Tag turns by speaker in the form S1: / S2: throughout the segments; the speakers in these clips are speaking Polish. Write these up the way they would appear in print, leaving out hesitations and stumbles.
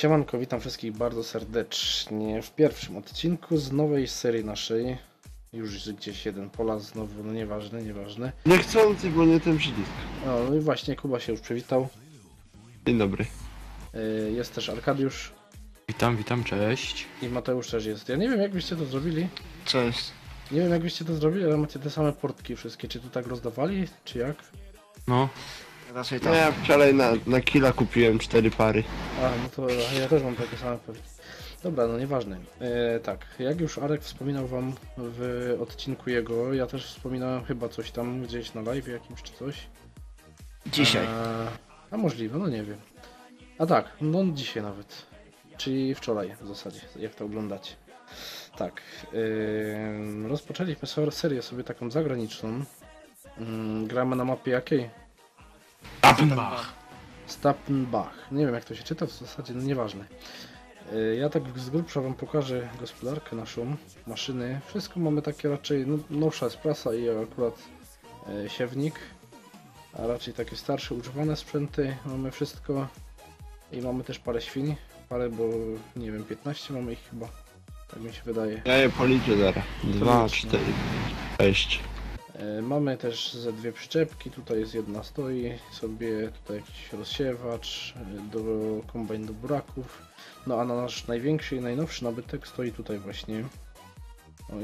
S1: Siemanko, witam wszystkich bardzo serdecznie w pierwszym odcinku z nowej serii naszej. Już gdzieś jeden pola znowu, no nieważne.
S2: Niechcący, bo nie ten przycisk.
S1: No i właśnie Kuba się już przywitał.
S2: Dzień dobry.
S1: Jest też Arkadiusz
S3: Witam, cześć.
S1: i Mateusz też jest. Ja nie wiem jak byście to zrobili.
S2: Cześć.
S1: Nie wiem jak byście to zrobili, ale macie te same portki wszystkie. Czy tu tak rozdawali, czy jak?
S3: No,
S4: Raczej
S2: No
S4: tak.
S2: ja wczoraj na killa kupiłem 4 pary.
S1: A, no to ja też mam takie same portki. Dobra, no nieważne. Tak, jak już Arek wspominał wam w odcinku jego, ja też wspominałem chyba coś tam gdzieś na live jakimś czy coś.
S4: Dzisiaj.
S1: A możliwe, no nie wiem. A tak, no dzisiaj nawet. Czyli wczoraj w zasadzie, jak to oglądacie. Tak, rozpoczęliśmy serię sobie taką zagraniczną. Gramy na mapie jakiej?
S3: Appenbach.
S1: Stappenbach. Nie wiem jak to się czyta, w zasadzie no nieważne. Ja tak z grubsza wam pokażę gospodarkę naszą, maszyny. Wszystko mamy takie raczej, no, nowsza jest prasa i akurat siewnik. A raczej takie starsze, używane sprzęty. Mamy wszystko. I mamy też parę świń. Parę, bo nie wiem, 15 mamy ich chyba. Tak mi się wydaje.
S2: Ja je policzę zaraz. 2, 4, 6.
S1: Mamy też ze dwie przyczepki. Tutaj jest jedna stoi sobie. Tutaj jakiś rozsiewacz do kombajn do buraków. No a na nasz największy i najnowszy nabytek stoi tutaj właśnie. O,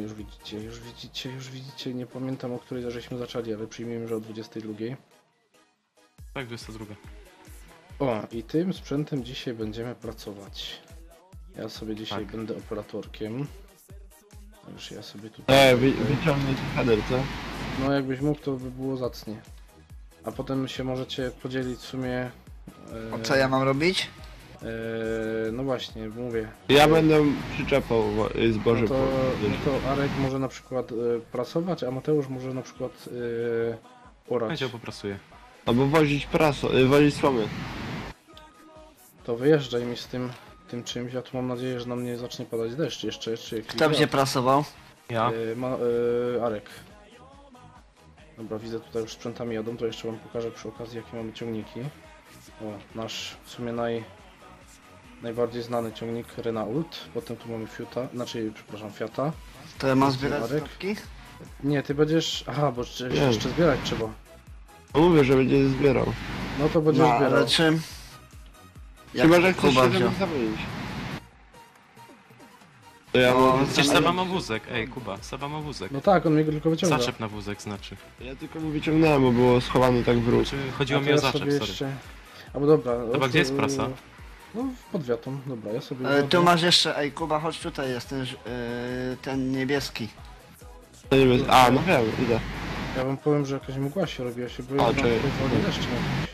S1: już widzicie. Nie pamiętam o której żeśmy zaczęli, ale przyjmijmy, że o 22.
S3: Tak, 22.
S1: O, i tym sprzętem dzisiaj będziemy pracować. Ja sobie dzisiaj
S3: Tak.
S1: będę operatorkiem. Także ja sobie tutaj...
S2: Wyciągnę ten header, co?
S1: No jakbyś mógł, to by było zacnie. A potem się możecie podzielić w sumie...
S4: O co ja mam robić?
S1: No właśnie, mówię.
S2: Ja będę przyczepał zboże.
S1: No to Arek może na przykład prasować, a Mateusz może na przykład orać.
S3: Będzie poprasuję.
S2: Albo wozić wozić słomy.
S1: To wyjeżdżaj mi z tym czymś, ja tu mam nadzieję, że na mnie zacznie padać deszcz jeszcze, czy jakiś
S4: Kto będzie prasował?
S3: Ja?
S1: Arek. Dobra, widzę tutaj już sprzętami jadą, to jeszcze wam pokażę przy okazji jakie mamy ciągniki. O, nasz w sumie najbardziej znany ciągnik Renault, potem tu mamy Fiata.
S4: To ja mam zbierać
S1: Marek?
S4: stopki?
S1: Nie, ty będziesz... Aha, bo jeszcze zbierać trzeba.
S2: No mówię, że będzie zbierał.
S1: No to będziesz
S4: No,
S1: zbierał.
S4: ale czym?
S2: Chyba, że chcesz
S4: Kuba
S2: się
S4: wziął.
S2: tam zamienić. To ja
S4: No,
S2: mogę...
S3: Przecież
S4: ale-
S3: Seba ma wózek, ej Kuba, Seba ma wózek.
S1: No tak, on mnie go tylko wyciąga.
S3: Zaczep na wózek znaczy.
S2: Ja tylko mu wyciągnąłem, bo było schowane tak w róg.
S3: Czy chodziło
S1: A
S3: mi o
S1: ja
S3: zaczep,
S1: sobie
S3: sorry.
S1: jeszcze... Albo dobra...
S3: Chyba gdzie jest prasa?
S1: No, pod wiatą, dobra, ja sobie...
S4: Ale tu
S1: włożę-
S4: masz jeszcze, ej Kuba, chodź tutaj, jest ten niebieski.
S2: To nie wiem. A, no wiem, idę.
S1: Ja wam powiem, że jakaś mgła się robi, ja się boję,
S2: A,
S1: że nam
S2: czekaj.
S1: tutaj woli deszcz jakiś.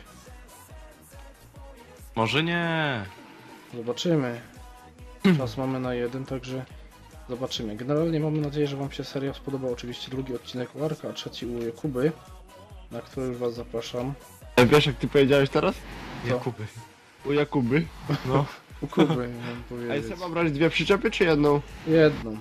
S3: Może nie.
S1: Zobaczymy. Czas mamy na jeden, także zobaczymy. Generalnie mamy nadzieję, że wam się seria spodoba. Oczywiście drugi odcinek u Arka, a trzeci u Jakuby, na który już was zapraszam.
S2: Wiesz jak ty powiedziałeś teraz?
S3: Jakuby.
S2: U Jakuby.
S3: No.
S1: U Kuby mam
S2: A
S1: powiedzieć.
S2: chcę brać dwie przyczepy czy jedną?
S1: Jedną.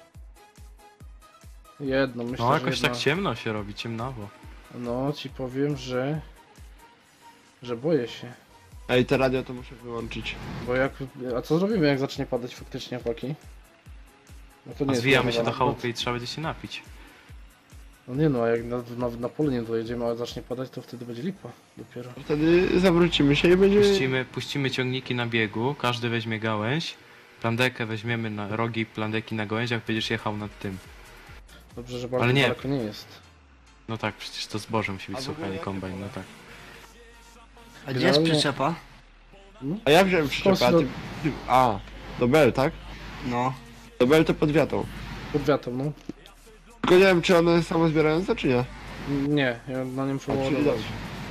S1: Myślę,
S3: No
S1: że
S3: jakoś
S1: jedna...
S3: tak ciemno się robi, ciemnawo.
S1: No, ci powiem, że boję się.
S2: Ej, te radio to muszę wyłączyć.
S1: Bo jak... A co zrobimy, jak zacznie padać faktycznie, chłopaki? No to
S3: A
S1: jest
S3: zwijamy się do
S1: planowane.
S3: chałupy i trzeba będzie się napić.
S1: No nie no, a jak na pole nie dojedziemy, a zacznie padać, to wtedy będzie lipa dopiero.
S2: Wtedy zawrócimy się i będziemy...
S3: Puścimy ciągniki na biegu, każdy weźmie gałęź. Plandekę weźmiemy na rogi plandeki na gałęziach, będziesz jechał nad tym.
S1: Dobrze, że bardzo
S3: Ale nie.
S1: daleko nie jest.
S3: No tak, przecież to zboże musi być
S2: A w
S3: suche,
S2: ogóle
S3: nie
S2: jakie
S3: kombajn, no tak.
S4: A gdzie jest
S1: Generalnie-
S4: przyczepa?
S2: A ja wziąłem przyczepę, a ty... A, do Bell, tak?
S4: No.
S2: Do Bell to pod wiatą.
S1: Pod wiatą, no.
S2: Tylko nie wiem, czy one jest samozbierające, czy nie?
S1: Nie, ja na nim
S2: A, czyli
S1: przeładować.
S2: dobrze.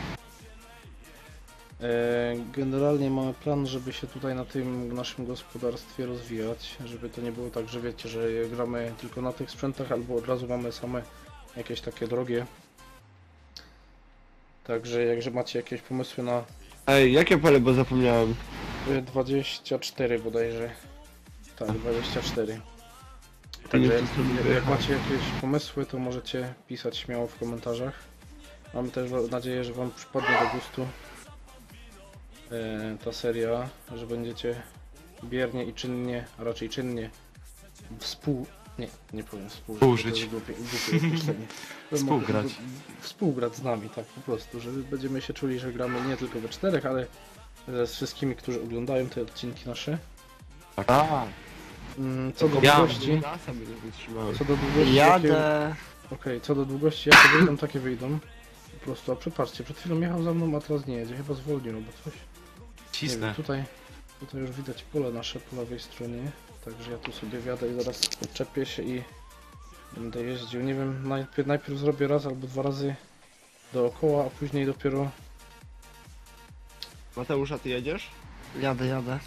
S1: Generalnie mamy plan, żeby się tutaj na tym naszym gospodarstwie rozwijać, żeby to nie było tak, że wiecie, że gramy tylko na tych sprzętach, albo od razu mamy same jakieś takie drogie. Także jakże macie jakieś pomysły na
S2: Ej, jakie pole, bo zapomniałem.
S1: 24 bodajże. Tak, 24.
S2: Nie,
S1: Także
S2: to sobie
S1: jak macie jakieś pomysły, to możecie pisać śmiało w komentarzach. Mam też nadzieję, że wam przypadnie do gustu ta seria, że będziecie biernie i czynnie, a raczej czynnie nie powiem współżyć.
S3: Współżyć.
S1: bo to jest głupie określenie.
S3: Współgrać.
S1: Współgrać z nami, tak po prostu, że będziemy się czuli, że gramy nie tylko we czterech, ale ze wszystkimi, którzy oglądają te odcinki nasze.
S2: A,
S1: Co do
S3: Ja-
S1: długości,
S2: NASA by nie wytrzymałem.
S1: co do długości,
S4: Jadę.
S1: Okej, co do długości, jakie wyjdą, takie wyjdą. Po prostu, a przepatrzcie, przed chwilą jechał za mną, a teraz nie jedzie, chyba zwolnił albo coś. Nie wiem,
S3: Cisnę.
S1: tutaj już widać pole nasze po lewej stronie, także ja tu sobie wjadę i zaraz odczepię się i będę jeździł. Nie wiem, najpierw zrobię raz albo dwa razy dookoła, a później dopiero,
S2: Mateusz, a ty jedziesz?
S4: Jadę.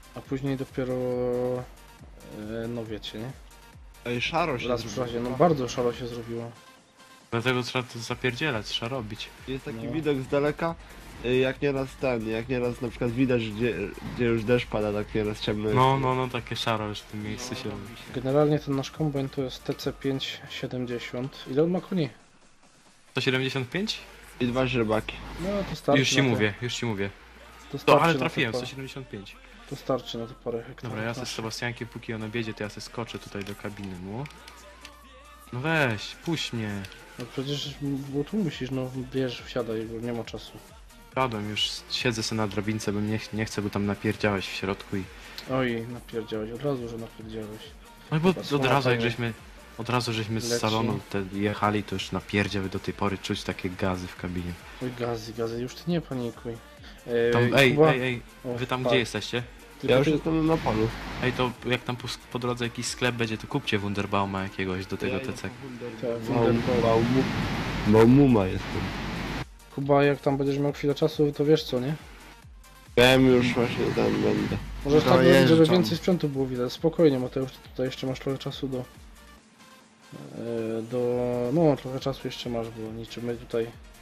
S1: no wiecie, nie?
S2: Ej, szaro się
S1: Raz w razie, no bardzo szaro się zrobiło.
S3: Dlatego trzeba to zapierdzielać, trzeba robić.
S2: Jest taki
S1: No.
S2: widok z daleka, jak nieraz na przykład widać, gdzie już deszcz pada, tak nieraz ciemno jest.
S3: No, takie szaro już w tym miejscu się robi.
S1: Generalnie ten nasz kombajn to jest TC570. Ile on ma koni?
S3: 175?
S2: I 2 źrebaki.
S1: No to starczy.
S3: Już ci mówię.
S1: To
S3: To,
S1: starczy
S3: ale
S1: na
S3: trafiłem,
S1: te
S3: 175.
S1: To starczy na te parę hektarów.
S3: Dobra, ja se z Sebastiankiem, póki on objedzie, to ja se skoczę tutaj do kabiny mu. No weź, puść mnie.
S1: No przecież, bo tu musisz, no wiesz, wsiadaj, bo nie ma czasu.
S3: Padłem już, siedzę sobie na drabince, bo nie chcę, bo tam napierdziałeś w środku i...
S1: Oj, napierdziałeś, od razu, że napierdziałeś.
S3: No bo
S1: Chyba
S3: od razu jak
S1: słabo.
S3: żeśmy z
S1: Leci.
S3: salonu jechali, to już napierdziały do tej pory czuć takie gazy w kabinie.
S1: Oj, gazy, już ty nie panikuj.
S3: Tam,
S1: Kuba-
S3: ej,
S1: o,
S3: wy tam
S1: tak.
S3: gdzie jesteście?
S1: Tylko
S2: Ja już
S1: ty-
S2: jestem na polu.
S3: Ej, to jak tam po drodze jakiś sklep będzie, to kupcie Wunderbauma jakiegoś do tego TC.
S2: Baumuma jestem.
S1: Kuba, jak tam będziesz miał chwilę czasu, to wiesz co, nie?
S2: Wiem już właśnie tam będę.
S1: Możesz tak robić, żeby
S4: Dojeżdżam.
S1: więcej sprzętu było widać. Spokojnie, Mateusz, ty tutaj jeszcze masz trochę czasu no, trochę czasu jeszcze masz, bo niczym my tutaj...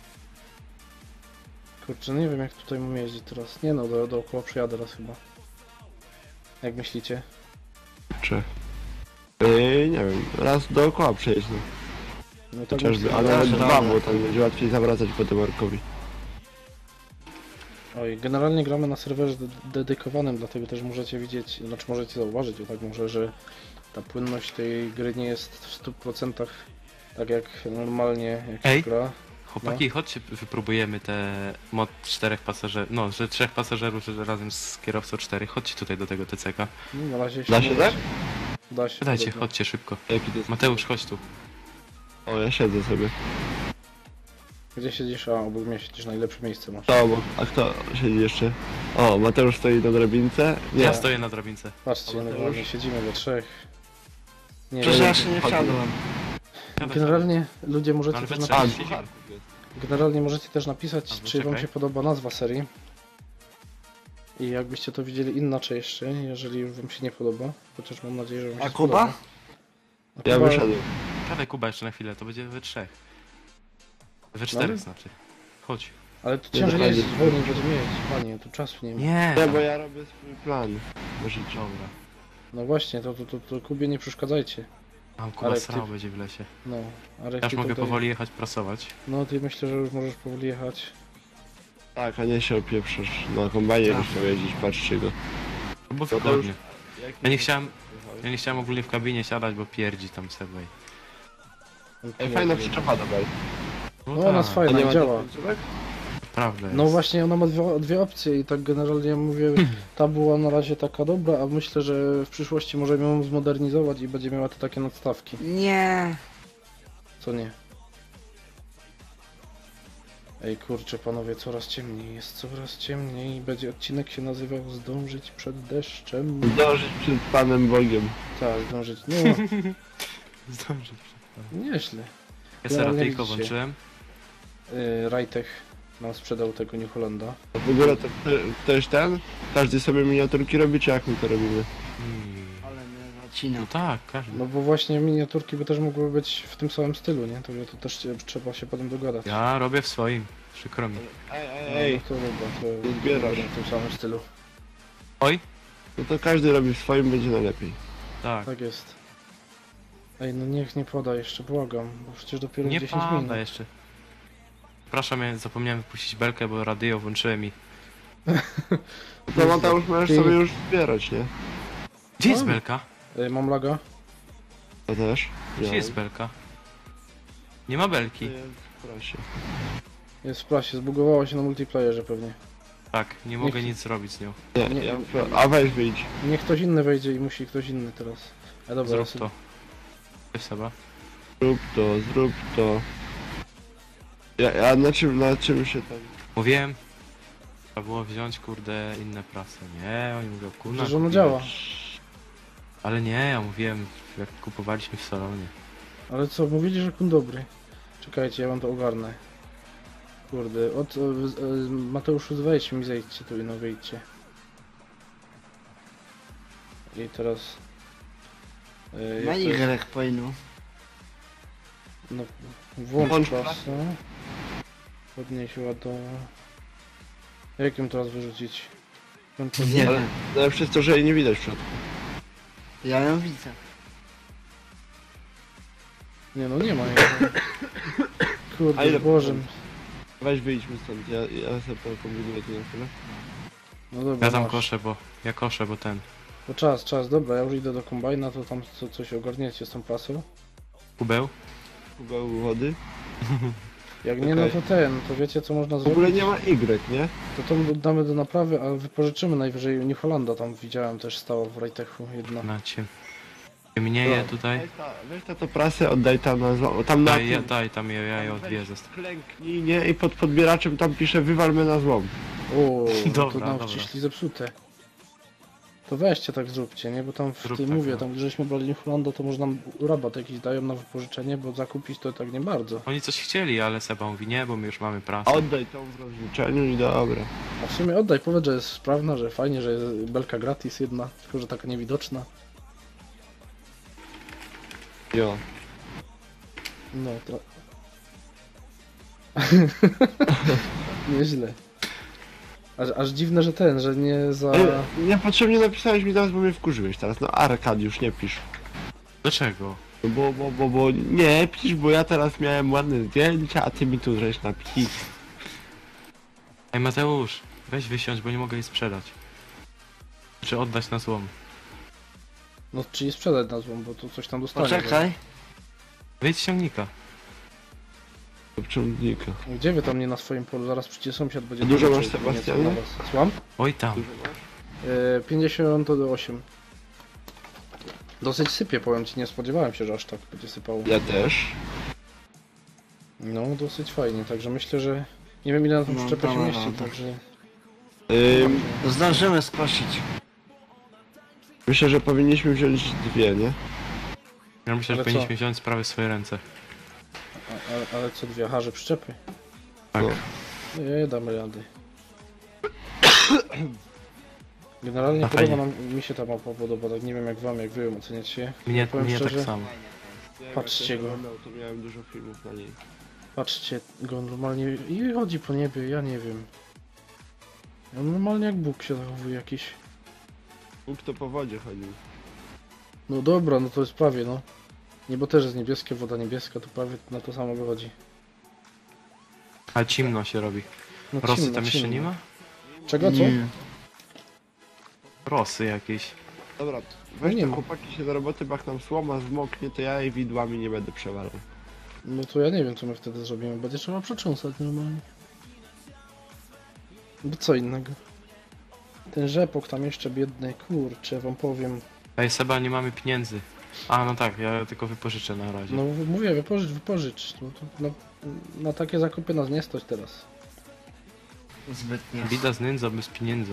S1: Kurczę, no nie wiem jak tutaj mam jeździć teraz. Nie no, dookoła przejadę raz chyba. Jak myślicie?
S2: Czy? Nie wiem, raz dookoła przejeźdź, no.
S1: No tak
S2: Chociażby,
S1: myślę,
S2: ale nawet
S3: że
S2: dwa,
S3: dobra.
S2: bo tam będzie łatwiej zawracać po tym Markowi.
S1: Oj, generalnie gramy na serwerze dedykowanym, dlatego też możecie widzieć, znaczy możecie zauważyć, o tak może, że ta płynność tej gry nie jest w 100% tak jak normalnie jak się
S3: Ej.
S1: gra.
S3: Chłopaki, chodźcie, wypróbujemy te mod 4 pasażerów, no, że 3 pasażerów że razem z kierowcą 4. Chodźcie tutaj do tego TCK.
S1: No, na razie
S2: Da się
S1: nie
S2: tak?
S1: Da się.
S3: Dajcie,
S1: podobno.
S3: chodźcie szybko.
S2: Jaki to jest?
S3: Mateusz, chodź tu.
S2: O, ja siedzę sobie.
S1: Gdzie siedzisz? A, obok mnie siedzisz, najlepsze miejsce masz.
S2: To obok. A kto siedzi jeszcze? O, Mateusz stoi na drabince. Nie,
S3: Ja stoję na drabince.
S1: Patrzcie,
S2: A Mateusz?
S1: normalnie siedzimy we trzech. Nie
S4: Przecież
S1: wiem,
S4: ja się nie wsiadłem.
S1: generalnie ludzie możecie
S3: Ale
S1: też
S3: we
S1: napisać,
S3: trzech.
S1: generalnie możecie też napisać,
S3: Albo
S1: czy wam
S3: czekaj.
S1: się podoba nazwa serii. I jakbyście to widzieli inaczej jeszcze, jeżeli już wam się nie podoba, chociaż mam nadzieję, że wam się
S4: A Kuba?
S1: spodoba. A
S2: Ja
S1: Kuba-
S2: wyszedłem.
S3: Siadaj Kuba jeszcze na chwilę, to będzie we 3. We 4
S1: No.
S3: znaczy. Chodź.
S1: Ale tu
S2: Nie
S1: ciężej
S2: dochodzi.
S1: jeździć, wolniej będziemy jeździć, panie, tu czasu nie ma.
S3: Nie!
S2: Nie, bo ja robię swój plan. Może
S3: Dobra.
S1: No właśnie, to Kubie nie przeszkadzajcie.
S3: Mam Kuba
S1: Ale
S3: srał
S1: ty-
S3: będzie w lesie.
S1: No, ale
S3: Ja już
S1: ty
S3: mogę
S1: tutaj...
S3: powoli jechać prasować.
S1: No, ty myślę, że już możesz powoli jechać.
S2: Tak, a nie się opieprzysz. Na kombajnie
S4: Tak.
S2: byś chciał jeździć, patrzcie go.
S3: No bo
S2: To
S3: wygodnie. Ja nie chciałem ogólnie w kabinie siadać, bo pierdzi tam Segway.
S2: Ej, fajna przyczepa dobra.
S1: No, ona jest
S2: A
S1: fajna
S2: nie
S1: i
S2: ma
S1: działa.
S2: tych końcówek?
S3: Prawda
S1: No
S3: jest.
S1: właśnie, ona ma dwie opcje i tak generalnie ja mówię, ta była na razie taka dobra, a myślę, że w przyszłości możemy ją zmodernizować i będzie miała te takie nadstawki.
S4: Nie.
S1: Co nie? Ej kurczę panowie, coraz ciemniej jest, coraz ciemniej. Będzie odcinek się nazywał Zdążyć przed deszczem.
S2: Zdążyć przed Panem Bogiem.
S1: Tak, zdążyć. No,
S3: Zdążę.
S1: nieźle.
S3: Ja sobie
S1: Generalnie
S3: radyjko
S1: widzicie.
S3: włączyłem.
S1: Rajtech nam sprzedał tego New Hollanda.
S2: A w ogóle to ktoś ten? Każdy sobie miniaturki robi, czy jak my to robimy?
S4: Ale mnie zacina.
S3: No tak, każdy.
S1: No bo właśnie miniaturki by też mogły być w tym samym stylu, nie? To też trzeba się potem dogadać.
S3: Ja robię w swoim. Przykro mi.
S2: Ej,
S1: No to dobra, to
S2: nie zbierasz.
S1: w tym samym stylu.
S3: Oj?
S2: no to każdy robi w swoim, będzie najlepiej.
S3: Tak.
S1: Tak jest. Ej, no niech nie pada jeszcze, błagam, bo przecież dopiero
S3: Nie
S1: 10 minut.
S3: pada jeszcze. Przepraszam, ja zapomniałem wypuścić belkę, bo radio włączyłem i...
S2: To Mateusz możesz
S1: Ty-
S2: sobie już zbierać, nie?
S3: Gdzie jest
S1: Mam.
S3: belka?
S1: Mam laga.
S2: To też.
S3: Gdzie jest belka? Nie ma belki.
S2: Proszę.
S1: Jest w prasie, zbugowała się na multiplayerze pewnie.
S3: Tak, nie mogę nic zrobić z nią.
S2: Nie,
S1: Nie.
S2: a weź wyjdź.
S1: Niech ktoś inny wejdzie i musi ktoś inny teraz. A dobra,
S3: Zrób
S1: ja sobie-
S3: to. Weź Seba.
S2: Zrób to, zrób to. Ja na czym się tam...
S3: Mówiłem. Trzeba było wziąć, kurde, inne prasy. Nie, oni mówią, kurna.
S1: Przecież ono
S3: kupiłem.
S1: działa.
S3: Ale nie, ja mówiłem, jak kupowaliśmy w salonie.
S1: Ale co, mówili, że kun dobry. Czekajcie, ja wam to ogarnę. Kurde, Mateuszu, wejdź mi, zejdźcie tu i no wyjdźcie. I teraz...
S4: Na
S1: jak to jest?
S4: Y powinno.
S1: No, włącz
S2: Włącz
S1: prasę. Podnieś ładą. Jak ją teraz wyrzucić?
S4: Nie
S2: Ale
S4: wiem.
S2: najlepsze jest to, że jej nie widać w środku.
S4: Ja ją widzę.
S1: Nie no, nie ma jej.
S2: A
S1: Kurde,
S2: ile
S1: Boże.
S2: Weź wyjdźmy stąd, ja sobie to kombinuję tu na chwilę.
S1: No dobra,
S3: Ja tam
S1: masz.
S3: koszę, bo... Ja koszę, bo ten...
S1: To czas, dobra, ja już idę do kombajna, to tam coś ogarniecie z tą prasą.
S3: Kubeł?
S2: Kubeł wody.
S1: Jak nie, no
S2: Okej.
S1: to to wiecie co można
S2: W ogóle
S1: zrobić?
S2: nie ma Y, nie?
S1: To damy do naprawy, a wypożyczymy najwyżej New Hollanda, tam widziałem też stała w Rajtechu jedna.
S3: Na cię. Ciemnieje
S2: No.
S3: tutaj.
S2: Weź to prasę, oddaj tam na złom. Tam na
S3: Daj,
S2: tym.
S3: daj tam ja je
S2: Tam
S3: odwiedzę.
S2: weź klęknij, nie? I pod podbieraczem tam pisze wywalmy na złom.
S1: O, no to
S3: Dobra,
S1: nam
S3: dobra.
S1: wciśli zepsute. To weźcie tak zróbcie, nie? Bo tam w
S3: Zrób
S1: tym
S3: tak,
S1: mówię,
S3: no.
S1: tam gdzie żeśmy brali New Hollanda, to może nam rabat jakiś dają na wypożyczenie, bo zakupić to tak nie bardzo.
S3: Oni coś chcieli, ale Seba mówi nie, bo my już mamy prasę.
S2: Oddaj tą w rozliczeniu i dobra.
S1: A w sumie oddaj, powiedz, że jest sprawna, że fajnie, że jest belka gratis jedna, tylko że taka niewidoczna.
S2: Jo.
S1: No to... Nieźle. Aż dziwne, że że nie za...
S2: Niepotrzebnie napisałeś mi teraz, bo mnie wkurzyłeś teraz. No Arkadiusz, nie pisz.
S3: Dlaczego?
S2: No bo nie pisz, bo ja teraz miałem ładne zdjęcia, a ty mi tu żeś napisał.
S3: Ej Mateusz, weź wysiąść, bo nie mogę jej sprzedać. Czy oddać na złom.
S1: No czyli sprzedać na złą, bo tu coś tam dostanie.
S4: Poczekaj.
S3: Wyjdź z ciągnika.
S2: Do ciągnika.
S1: Gdzie wy tam nie na swoim polu? Zaraz przecież sąsiad będzie...
S2: A dużo
S1: pożyczył
S2: masz,
S1: nieco
S2: Sebastianie?
S1: na was. Słucham?
S3: Oj tam.
S2: Dużo masz?
S1: 58. Dosyć sypie, powiem ci, nie spodziewałem się, że aż tak będzie sypało.
S2: Ja też.
S1: No, dosyć fajnie, także myślę, że... Nie wiem ile na tą
S4: No,
S1: przyczepę się
S4: dobra,
S1: mieści,
S4: dobra.
S1: także...
S4: Zdążymy skosić.
S2: Myślę, że powinniśmy wziąć dwie, nie?
S3: Ja myślę, że
S1: Ale
S3: powinniśmy
S1: co?
S3: wziąć sprawy w swoje ręce.
S1: Ale co dwie harze przyczepy?
S3: Tak.
S2: No.
S1: Nie, damy rady. Generalnie
S3: A
S1: podoba
S3: fajnie.
S1: mi się ta mapa podoba, tak nie wiem jak wam, jak wy ją oceniacie.
S3: Mnie
S1: Powiem
S3: tak
S1: szczerze,
S3: samo.
S1: Patrzcie go.
S2: To miałem dużo filmów na niej.
S1: Patrzcie go normalnie i chodzi po niebie, ja nie wiem. On normalnie jak Bóg się zachowuje jakiś.
S2: Bóg to po wodzie chodził.
S1: No dobra, no to jest prawie no. Niebo też jest niebieskie, woda niebieska, to prawie na to samo wychodzi.
S3: A cimno się robi.
S1: No
S3: Rosy
S1: cimno,
S3: tam jeszcze
S1: cimno.
S3: nie ma?
S1: Czego, co?
S4: Nie.
S3: Rosy jakieś.
S2: Dobra, weź
S1: nie
S2: te
S1: ma.
S2: chłopaki się do roboty, bo jak nam słoma zmoknie, to ja jej widłami nie będę przewalał.
S1: No to ja nie wiem co my wtedy zrobimy, będzie trzeba przetrząsać normalnie. Bo co innego. Ten rzepok tam jeszcze biedny, kurczę, wam powiem.
S3: Ej Seba, nie mamy pieniędzy. A no tak, ja tylko wypożyczę na razie.
S1: No mówię, wypożycz. No, to na takie zakupy nas nie stać teraz.
S4: Zbytnio.
S3: Bida z nędzą bez pieniędzy.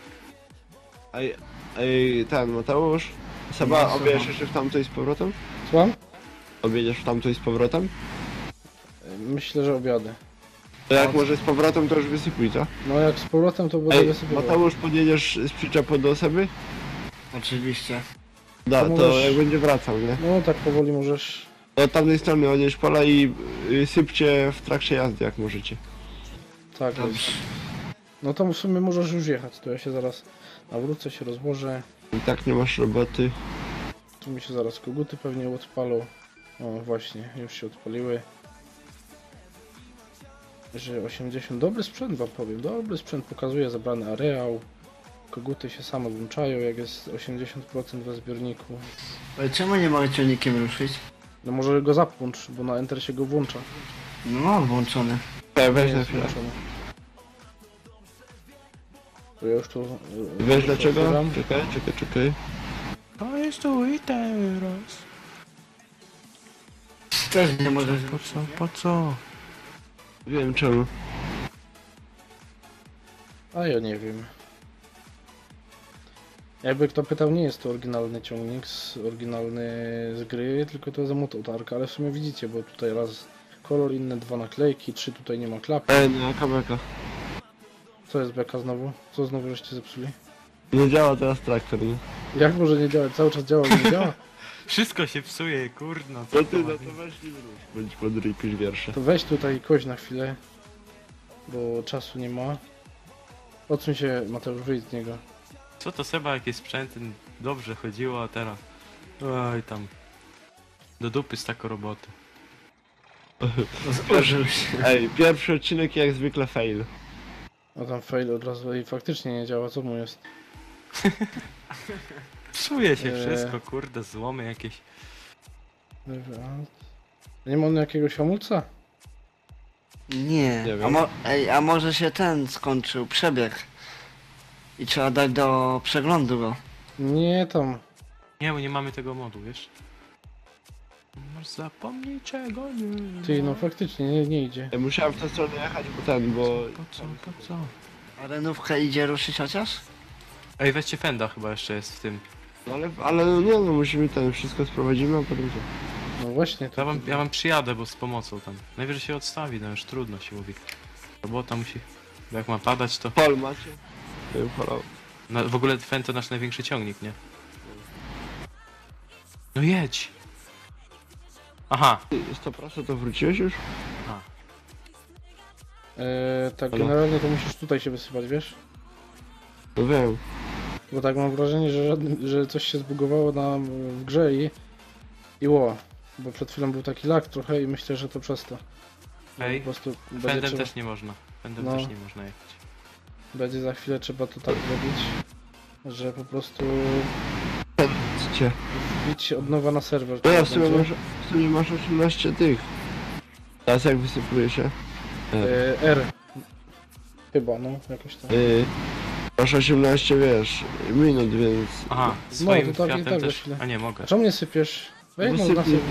S2: Ej, ten Mateusz. Seba,
S4: No,
S2: objedziesz
S4: słucham.
S2: jeszcze w tamto i z powrotem?
S1: Słucham?
S2: Objedziesz w tamto i z powrotem?
S1: Myślę, że obiadę.
S2: To jak może z powrotem, to już wysypuj, co?
S1: No jak z powrotem to będę
S2: Ej,
S1: wysypywał.
S2: Mateusz, podjedziesz z przyczepą do osoby?
S4: Oczywiście.
S2: Da,
S1: To
S2: to
S1: możesz-
S2: jak będzie wracał, nie?
S1: No tak powoli możesz...
S2: Od tamtej strony odjeźdź pola i sypcie w trakcie jazdy, jak możecie.
S1: Tak,
S4: Dobrze.
S1: no to w sumie możesz już jechać, to ja się zaraz nawrócę, się rozłożę.
S2: I tak nie masz roboty.
S1: Tu mi się zaraz koguty pewnie odpalą. O właśnie, już się odpaliły. Że 80, dobry sprzęt wam powiem, dobry sprzęt, pokazuje zabrany areał. koguty się same włączają, jak jest 80% we zbiorniku.
S4: Ale czemu nie mogę ciągnikiem ruszyć?
S1: No może go zapłącz, bo na Enter się go włącza.
S4: No mam włączony.
S2: Weź
S1: Nie
S2: na
S1: jest
S2: chwilę.
S1: włączony. To ja już tu...
S2: Wiesz dlaczego?
S1: otwieram.
S2: Czekaj.
S3: To jest tu i teraz.
S4: Też nie możesz
S3: Po
S4: ruszyć.
S3: co? Po co?
S2: Wiem czemu.
S1: A ja nie wiem. Jakby kto pytał, nie jest to oryginalny ciągnik, oryginalny z gry, tylko to jest mototarka, ale w sumie widzicie, bo tutaj raz kolor, inne dwa naklejki, 3 tutaj nie ma klapy.
S2: Nie, kabelka.
S1: Co jest beka znowu? Co znowu żeście zepsuli?
S2: Nie działa teraz traktor, nie?
S1: Jak może nie działać? Cały czas działa, ale nie działa?
S3: Wszystko się psuje, kurno.
S2: No ty, no to weź nie rusz. Bądź podryj, pisz wiersze.
S1: To weź tutaj kość na chwilę, bo czasu nie ma. Odsuń się, Mateusz, wyjdź z niego.
S3: Co to Seba, jakie sprzęty dobrze chodziło, a teraz... Oj tam... Do dupy z taką roboty.
S4: Złożył się.
S2: Ej, pierwszy odcinek jak zwykle fail.
S1: A tam fail od razu i faktycznie nie działa, co mu jest?
S3: Psuje się
S1: Eee.
S3: wszystko, kurde, złomy jakieś.
S1: Nie ma on jakiegoś hamulca?
S4: Nie.
S2: Nie wiem.
S4: A może się ten skończył, przebieg. I trzeba dać do przeglądu go.
S1: Nie tam.
S3: Nie, bo nie mamy tego modu, wiesz? Masz zapomnij czego nie.
S1: Ty, no faktycznie nie idzie.
S2: Ja musiałem w tę stronę jechać, bo
S3: Po co, po co?
S4: A renówkę idzie ruszyć chociaż?
S3: Ej, weźcie fenda chyba jeszcze jest w tym.
S2: No ale no nie no, musimy ten wszystko sprowadzimy, a potem co?
S1: No właśnie, to...
S3: Ja wam przyjadę, bo z pomocą tam. Najwyżej się odstawi, no już trudno się mówi. Robota musi... Bo jak ma padać to...
S2: Pol macie? Ja bym polał.
S3: W ogóle fend to nasz największy ciągnik, nie? No jedź! Aha!
S2: Ty, 100% to wróciłeś już?
S1: Tak,
S2: Halo?
S1: generalnie to musisz tutaj się wysypać, wiesz?
S2: No wiem.
S1: Bo tak mam wrażenie, że coś się zbugowało nam w grze i ło. Bo przed chwilą był taki lag trochę i myślę, że to przez to.
S3: Ej,
S1: Po prostu będzie,
S3: fendem
S1: trzeba,
S3: też nie można. Fendem
S1: No.
S3: też nie można jechać.
S1: będzie za chwilę trzeba to tak robić, że po prostu
S2: Cię.
S1: wbić od nowa na serwer.
S2: No ja
S1: tak
S2: w sumie
S1: będzie.
S2: masz 18 tych. Teraz jak wysypuje się?
S1: R. Chyba, no, jakoś tak.
S2: Masz 18, wiesz, minut, więc...
S3: Aha, swoim
S1: to tak i
S3: Fiatem
S1: tak za
S3: też...
S1: chwilę.
S3: A nie, mogę.
S1: A czemu nie sypiesz? Weź no,
S2: Wysypnij.
S1: nasyp.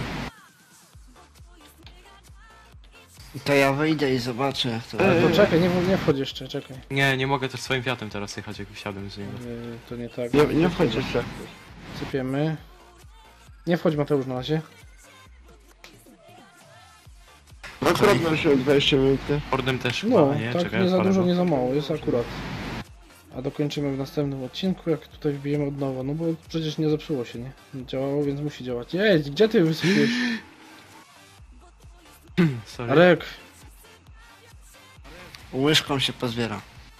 S4: To ja wyjdę i zobaczę jak to.
S2: Ej.
S1: To czekaj, nie wchodź jeszcze, czekaj.
S3: Nie mogę też swoim Fiatem teraz jechać, jak wysiadłem z niego.
S1: To nie tak.
S2: Nie wchodź jeszcze.
S1: Sypiemy. Nie wchodź, Mateusz, na razie.
S2: No akurat masz 20 minut, nie?
S3: Fordem też chyba,
S1: No,
S3: nie?
S1: tak
S3: Czekaj,
S1: nie za
S3: odpalę
S1: dużo,
S3: go.
S1: nie za mało, jest akurat. A dokończymy w następnym odcinku, jak tutaj wbijemy od nowa, no bo przecież nie zepsuło się, nie? Działało, więc musi działać. Jedź, gdzie ty wysypiesz?
S3: Sorry.
S1: Arek,
S4: Łyżką się pozbiera.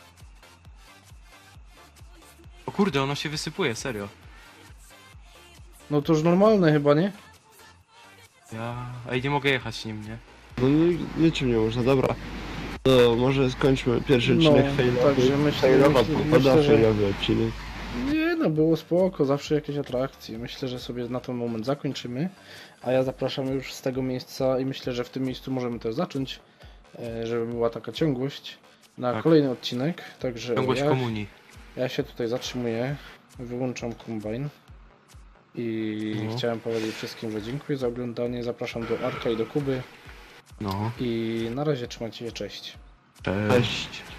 S3: O kurde, ono się wysypuje, serio.
S1: no to już normalne chyba, nie?
S3: Ej, nie mogę jechać nim, nie?
S2: No niczym nie można, dobra. To może skończmy pierwszy
S1: No,
S2: odcinek failowy.
S1: także myślę,
S2: Failowa
S1: myślę,
S2: pogoda,
S1: że-
S2: failowy odcinek.
S1: Nie no, było spoko, zawsze jakieś atrakcje. Myślę, że sobie na ten moment zakończymy. A ja zapraszam już z tego miejsca i myślę, że w tym miejscu możemy też zacząć, żeby była taka ciągłość na
S3: Tak.
S1: kolejny odcinek. Także
S3: Ciągłość komunii.
S1: ja się tutaj zatrzymuję, wyłączam kombajn i
S3: No.
S1: chciałem powiedzieć wszystkim, że dziękuję za oglądanie. Zapraszam do Arka i do Kuby
S3: No.
S1: i na razie trzymajcie się, cześć.
S3: Cześć.
S2: Cześć.